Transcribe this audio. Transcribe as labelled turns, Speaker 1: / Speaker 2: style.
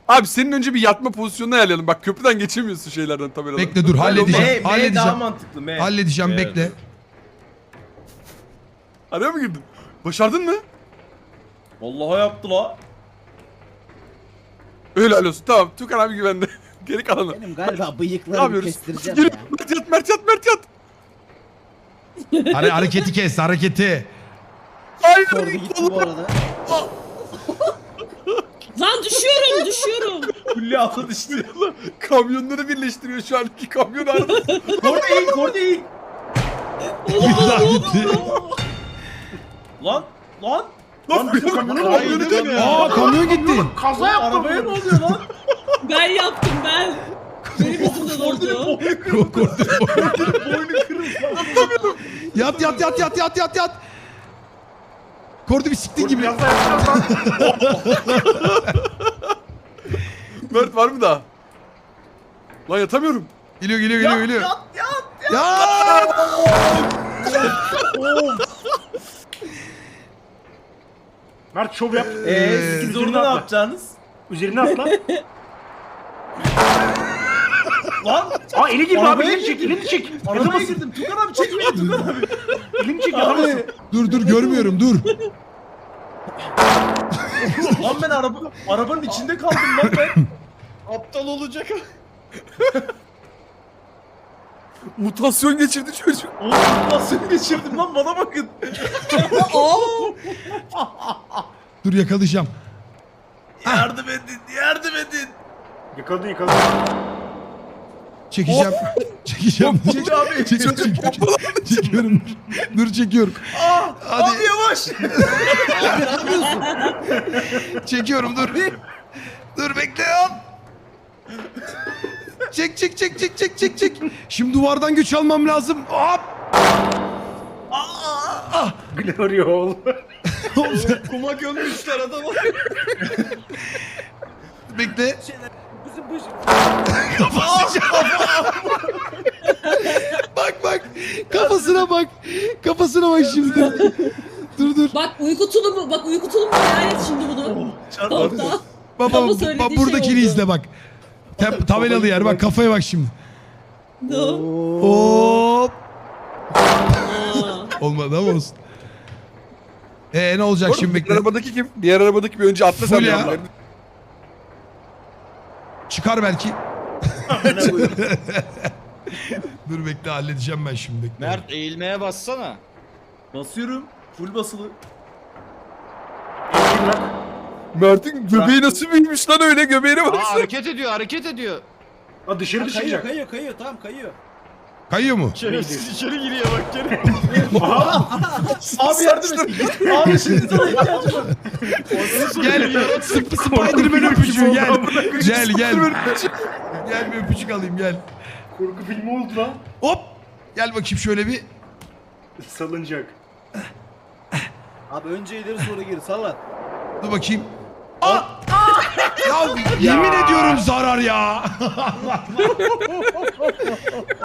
Speaker 1: Abi senin önce bir yatma pozisyonunu ayarlayalım. Bak köprüden geçemiyorsun şeylerden tabeladan.
Speaker 2: Bekle dur halledeceğim.
Speaker 3: M daha
Speaker 2: Halledeceğim.
Speaker 3: mantıklı M.
Speaker 2: Halledeceğim
Speaker 4: Evet.
Speaker 2: bekle.
Speaker 1: Araya mı girdin? Başardın mı?
Speaker 3: Vallahi yaptı la.
Speaker 1: Öyle olsun. Tamam. Tukan abi güvende. Geri kalanı.
Speaker 5: Benim galiba
Speaker 1: Ne
Speaker 5: bıyıklarımı
Speaker 1: yapıyoruz?
Speaker 5: kestireceğim
Speaker 1: Geri.
Speaker 5: ya.
Speaker 1: Mert yat, Mert yat, Mert yat.
Speaker 2: Hareketi kes hareketi.
Speaker 1: Hayır.
Speaker 5: Kordu gitti bu arada.
Speaker 6: Lan düşüyorum.
Speaker 3: Kulli atladı işte.
Speaker 1: Kamyonları birleştiriyor şu an. İki kamyon arada.
Speaker 3: Kordi in.
Speaker 2: Bir daha gitti.
Speaker 3: Lan.
Speaker 1: Lan kamyonu
Speaker 4: Hayır,
Speaker 1: kamyonu dönüyor.
Speaker 2: Aa kamyon gitti.
Speaker 3: Kaza yaptım. Arabaya ne oluyor lan?
Speaker 6: Ben yaptım ben. Benim yüzümden oldu.
Speaker 3: Boynu kırıldı.
Speaker 2: Yat. Kordu bir siktin gibi.
Speaker 1: Mert var mı daha? Lan yatamıyorum.
Speaker 2: Geliyor.
Speaker 3: Yat.
Speaker 2: Ya!
Speaker 7: Mert şov yap.
Speaker 3: Siz orada ne yapacaksınız?
Speaker 7: Üzerine atla.
Speaker 3: Lan.
Speaker 7: Aa eli girdi abi,
Speaker 3: Arabaya
Speaker 7: elini çek,
Speaker 3: girdim.
Speaker 7: elini çek.
Speaker 3: Arabaya
Speaker 7: Yatamazsın.
Speaker 3: girdim. Tukan abi çek beni Tukan abi.
Speaker 7: Elini çek, yatamazsın.
Speaker 2: Dur görmüyorum dur.
Speaker 3: Lan ben arabanın içinde kaldım lan ben.
Speaker 4: Aptal olacak.
Speaker 1: Mutasyon geçirdi çocuk.
Speaker 3: Oğlum nasıl geçirdim lan bana bakın.
Speaker 2: Dur yakalayacağım.
Speaker 3: Yardım edin.
Speaker 7: Yakaladın.
Speaker 2: Çekeceğim.
Speaker 3: Çek abi.
Speaker 2: Çekiyorum. Dur çekiyorum. Hadi.
Speaker 3: Abi yavaş.
Speaker 2: Çekiyorum dur. Dur bekle ya. Çek. Şimdi duvardan güç almam lazım. Hop.
Speaker 7: Glory hole.
Speaker 4: Kuma gömmüşler adamı.
Speaker 2: Bekle.
Speaker 5: Bizim başı.
Speaker 2: Bak. Kafasına bak şimdi. Dur.
Speaker 6: Bak uyku tulumu hayal et şimdi bunu. Topta.
Speaker 2: Baba
Speaker 6: Ama söylediği
Speaker 2: buradakini
Speaker 6: şey oldu.
Speaker 2: izle bak. Tabelalı yer bak kafaya bak şimdi.
Speaker 6: No.
Speaker 2: Hop.
Speaker 6: Aa.
Speaker 2: Olmadı ama olsun. Ne olacak şimdi
Speaker 1: Diğer
Speaker 2: bekle.
Speaker 1: arabadaki kim? Diğer arabadaki bir önce atla sen.
Speaker 2: Full ya.
Speaker 1: yanlarına.
Speaker 2: Çıkar belki. Dur bekle halledeceğim ben şimdi bekle.
Speaker 4: Mert eğilmeye bassana.
Speaker 3: Basıyorum. Full basılı.
Speaker 7: Elini bırak.
Speaker 1: Mert'in göbeği nasıl büyümüş lan öyle göbeğine
Speaker 4: Aa
Speaker 1: baksana.
Speaker 4: hareket ediyor.
Speaker 7: Aa dışarı çıkacak.
Speaker 5: Kayıyor tamam kayıyor.
Speaker 2: Kayıyor mu?
Speaker 4: Şerefsiz içeri giriyor bak geri.
Speaker 3: Abi yardım et. Abi şimdi sana ihtiyacım var.
Speaker 2: Gel Spiderman öpücüğü gel. Gel. Gel bir öpücük alayım gel.
Speaker 7: Korku filmi oldu lan.
Speaker 2: Hop. Gel bakayım şöyle bir.
Speaker 7: Salıncak.
Speaker 5: Abi önce ileri sonra geri sallan.
Speaker 2: Dur bakayım. Aa! Ya yemin ediyorum zarar ya.